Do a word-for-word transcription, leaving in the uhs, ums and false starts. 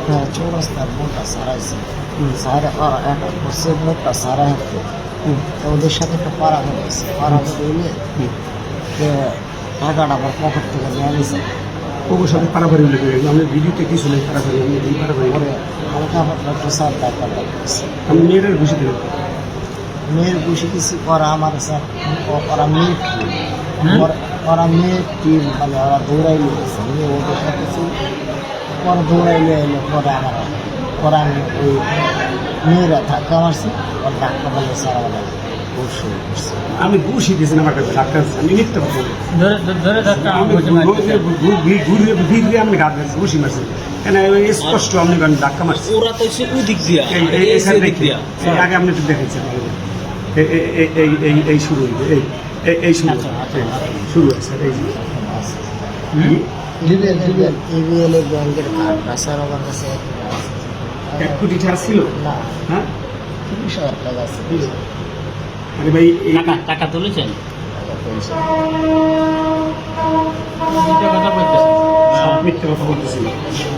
হ্যাঁ চৌরাস্তার মোড়টা সারাইছে সারা একটা করছে মোড়টা সারা হাঁটতে তো ওদের সাথে একটা পাড়া হয়েছে পাড়া হইলে টাকাটা আমার পকেট থেকে নিয়ে নিয়েছে ওর সাথে পারাপারি হলে আমি ভিডিওতে কি শুনে পারাপারি আমি এই পারাপারি পরে হালকা পাতলা একটু সার টাকা লাগছে আমি মেয়েটার ঘুষি দিলাম মেয়ের বসে কিছু ওরা আমার স্যার ওরা মেয়ের টিম ওরা মেয়ের টিম মানে ওরা দৌড়াইলে গেছে নিয়ে ওদের সাথে ছিল পরে দৌড়াইলে এলো পরে আমার পরে আমি ওই মেয়েরা ধাক্কা মারছি ওর ধাক্কা বলে স্যার আমার দৌড় শুরু করছে আমি ঘুষি দিয়েছেন আমার কাছে ডাক্তার আমি মিথ্যা কথা বলি ধরে ধাক্কা আমি ঘুরিয়ে ঘুরিয়ে আমি গাছ ঘুষি মারছি কেন স্পষ্ট আমি ধাক্কা মারছি ওরা তো সে ওই দিক দিয়া এই এই সাইড দিয়া আগে আপনি একটু দেখেছেন এই এই এই এই এই শুরু হইবে এই এই এই শুরু শুরু আছে এই ইবিএল ইবিএল ইবিএল এর ব্যাংকের কার্ডটা স্যার আমার কাছে এক কোটি টাকা ছিল না হ্যাঁ তিরিশ হাজার টাকা আছে আরে ভাই এই টাকা টাকা তুলেছেন টাকা পেয়েছে মিথ্যা কথা বলতেছেন সব মিথ্যা কথা বলতেছিল